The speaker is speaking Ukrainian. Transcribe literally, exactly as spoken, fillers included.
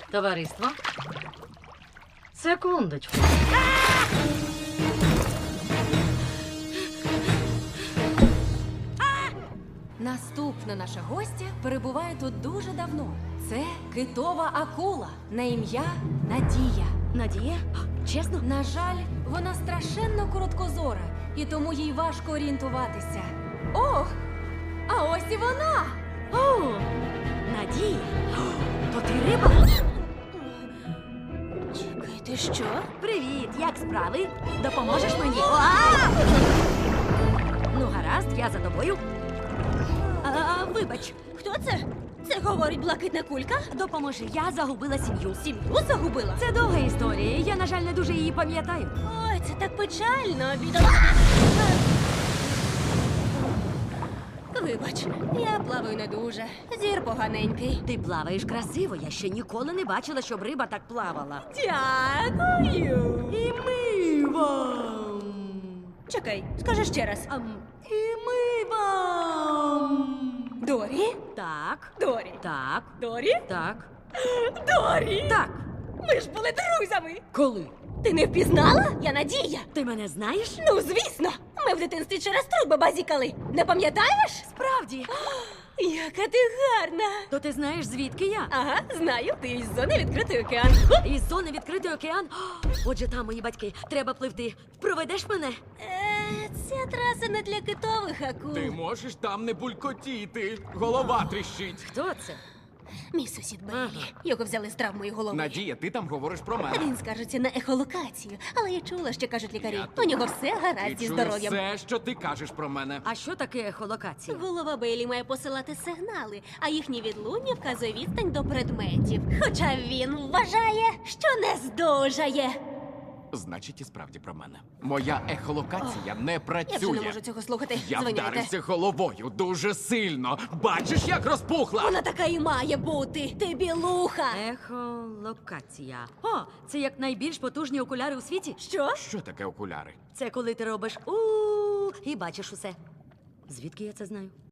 Товариство. Секундочку. Наступна наша гостя перебуває тут дуже давно. Це китова акула на ім'я Надія. Надія? Чесно? На жаль, вона страшенно короткозора, і тому їй важко орієнтуватися. Ох! А ось і вона! О, Надія. То ти риба? Чекай, ти що? Привіт, як справи? Допоможеш мені? А! Ну, гаразд, я за тобою. А, вибач, Хто це? Це говорить блакитна кулька? допоможи, я загубила сім'ю. Сім'ю загубила? Це довга історія, я, на жаль, не дуже її пам'ятаю. Ой, це так печально, бідола. Вибач, я плаваю не дуже. Зір поганенький. Ти плаваєш красиво, я ще ніколи не бачила, щоб риба так плавала. Дякую. І ми вам. Чекай, скажи ще раз. Ам, і ми вам. Дорі? Так, Дорі. так, Дорі? так, Дорі! так. Ми ж були друзями. Коли? Ти не впізнала? Я Надія. Ти мене знаєш? Ну, звісно. Ми в дитинстві через труби базікали. Не пам'ятаєш? Справді. Яка ти гарна. То ти знаєш, звідки я? Ага, знаю, ти із зони відкритий океан. Із зони відкритий океан. О, отже, там мої батьки. Треба пливти. Проведеш мене? Е, ця траса не для китових акул. Ти можеш там не булькотіти. Голова тріщить. Хто це? Мій сусід Бейлі. Ага. Його взяли з травмою голови. Надія, ти там говориш про мене. Він скаржиться на ехолокацію, але я чула, що кажуть лікарі. Я У нього все Ти гаразд зі чуєш здоров'ям. все, що ти кажеш про мене. А що таке ехолокація? Голова Бейлі має посилати сигнали, а їхнє відлуння вказує відстань до предметів. Хоча він вважає, що не здужає. Значить, і справді про мене. Моя ехолокація не Я вже працює. не можу цього слухати. Я Звиняйте. вдарився головою дуже сильно. Бачиш, як розпухла? Вона така і має бути. Ти білуха. Ехолокація. О, це як найбільш потужні окуляри у світі. Що? Що таке окуляри? Це коли ти робиш у і бачиш усе. Звідки я це знаю?